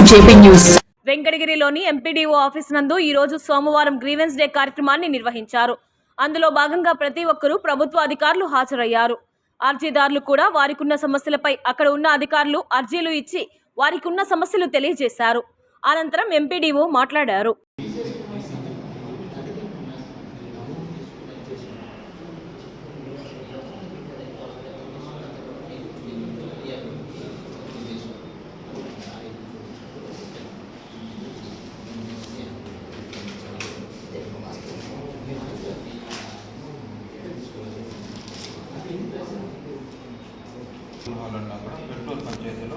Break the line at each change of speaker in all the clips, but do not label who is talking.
JP News.
వెంకటగిరిలోని MPDO office నందు ఈ రోజు సోమవారం గ్రీవెన్స్ డే కార్యక్రమాన్ని నిర్వహించారు. అందులో భాగంగా ప్రతి ఒక్కరూ ప్రభుత్వ అధికారులు హాజరయ్యారు. అర్జీదారులు కూడా వారికున్న సమస్యలపై అక్కడ ఉన్న అధికారులు అర్జీలు ఇచ్చి వారికున్న సమస్యలు తెలియజేశారు. అనంతరం ఎంపీడీఓ మాట్లాడారు.
పెట్రోల్ పంచాయతీలో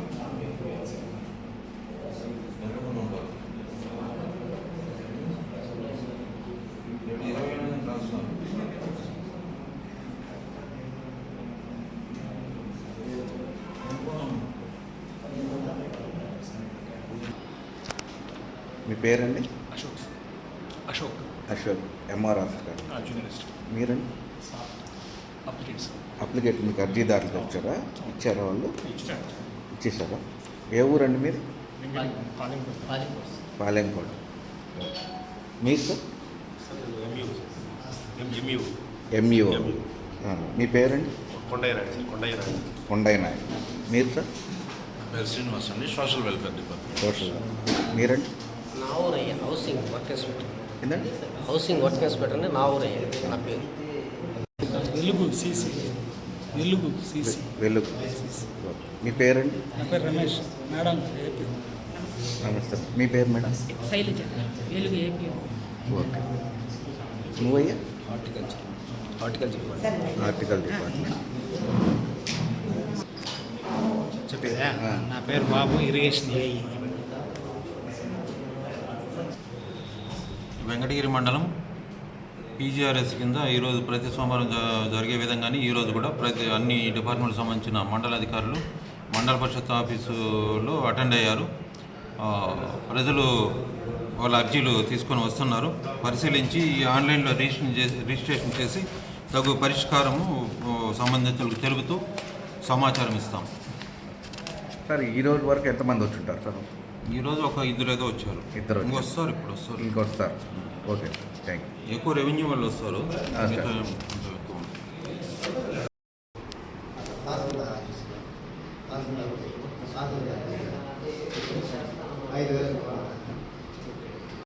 మీ పేరండి?
Ashok
MR officer.
జూనియరిస్ట్.
మీరండి? అప్లికేట్ మీకు అర్జీదారులకు వచ్చారా? ఇచ్చారా? వాళ్ళు ఇచ్చేసారా? ఏ ఊరండి మీరు? పాలెంకోట. మీరు సార్? ఎంయూ. మీ పేరండి? కొండయ్య నాయుడు. మీరు సార్?
శ్రీనివాస్ అండి, సోషల్ వెల్ఫేర్ డిపార్ట్మెంట్.
సోషల్. మీరండి?
నా ఊరయ్య హౌసింగ్ వర్క్ ఇన్స్పెక్టర్.
ఏంటండి?
హౌసింగ్ వర్క్ ఇన్స్పెక్టర్ అని నా ఊరయ్య. నా పేరు
వెలుగు సిసి.
మీ పేరండి?
నా పేరు రమేష్. Madam AP.
నమస్తే. మీ పేరు madam?
Sailaja. Velugu AP.
Okay. నువ్వయ్యా?
Horticulture
department.
చెప్పేదా? నా పేరు బాబు, ఇరిగేషన్ ఏఈ.
వెంకటగిరి మండలం పీజీఆర్ఎస్ కింద ఈరోజు ప్రతి సోమవారం జరిగే విధంగానే ఈరోజు కూడా అన్ని డిపార్ట్మెంట్కి సంబంధించిన మండల అధికారులు మండల పరిషత్ ఆఫీసులో అటెండ్ అయ్యారు. ప్రజలు వాళ్ళ అర్జీలు తీసుకొని వస్తున్నారు. పరిశీలించి ఆన్లైన్లో రిజిస్ట్రేషన్ చేసి తగు పరిష్కారము సంబంధితులకు తెలుపుతూ సమాచారం ఇస్తాం.
సార్ ఈరోజు వరకు ఎంతమంది వచ్చుంటారు సార్?
ఈరోజు ఒక ఇద్దరు ఏదో వచ్చారు.
ఇద్దరు
వస్తారు. ఇప్పుడు వస్తారు.
ఇంకొస్తారు. Okay, thank you.
ఎక్కువ రెవెన్యూ వాళ్ళు వస్తారు.
సార్.